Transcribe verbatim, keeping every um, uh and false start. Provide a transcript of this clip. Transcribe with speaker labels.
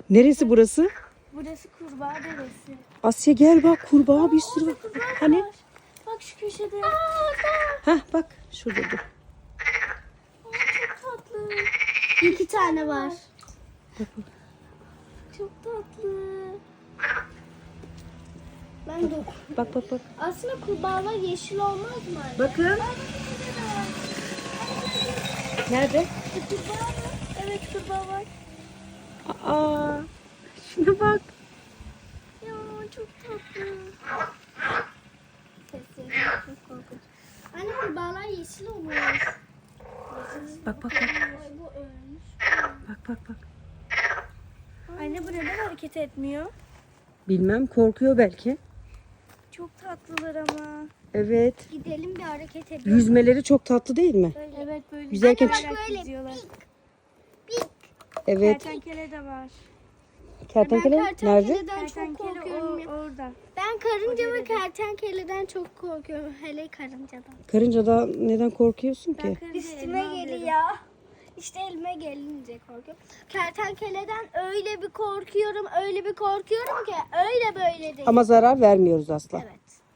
Speaker 1: Neresi burası?
Speaker 2: Burası kurbağa deresi.
Speaker 1: Asya gel bak, kurbağa bir sürü var. Hani?
Speaker 2: Var. Bak şu köşede.
Speaker 1: Hah bak şurada dur.
Speaker 2: Aa, çok tatlı. İki tane var. Çok tatlı. Ben de
Speaker 1: Bak bak bak.
Speaker 2: aslında kurbağalar yeşil olmaz mı anne?
Speaker 1: Bakın. Nerede?
Speaker 2: Kurbağa mı? Evet kurbağa var.
Speaker 1: Aa, şuna bak.
Speaker 2: Ya çok tatlı. Sesleri çok korkunç. Anne kurbağalar yeşil olmuş.
Speaker 1: Bak bak bak.
Speaker 2: Ay bu ölmüş.
Speaker 1: Bak bak bak.
Speaker 2: Anne bu neden hareket etmiyor?
Speaker 1: Bilmem, korkuyor belki.
Speaker 2: Çok tatlılar ama.
Speaker 1: Evet.
Speaker 2: Gidelim bir hareket edelim.
Speaker 1: Yüzmeleri çok tatlı değil mi?
Speaker 2: Evet böyle.
Speaker 1: Yüzerken
Speaker 2: Anne
Speaker 1: çık-
Speaker 2: bak böyle. Gidiyorlar.
Speaker 1: Evet.
Speaker 2: Kertenkele de var.
Speaker 1: Kertenkele
Speaker 2: Ben
Speaker 1: nerede?
Speaker 2: kertenkeleden çok
Speaker 3: Kertenkele
Speaker 2: korkuyorum.
Speaker 3: o- orada.
Speaker 2: Ben karınca ve kertenkeleden çok korkuyorum. Hele karıncadan.
Speaker 1: Karıncadan neden korkuyorsun ki?
Speaker 2: Üstüme geliyor. İşte elime gelince korkuyorum. Kertenkeleden öyle bir korkuyorum, öyle bir korkuyorum ki öyle böyle değil.
Speaker 1: Ama zarar vermiyoruz asla.
Speaker 2: Evet.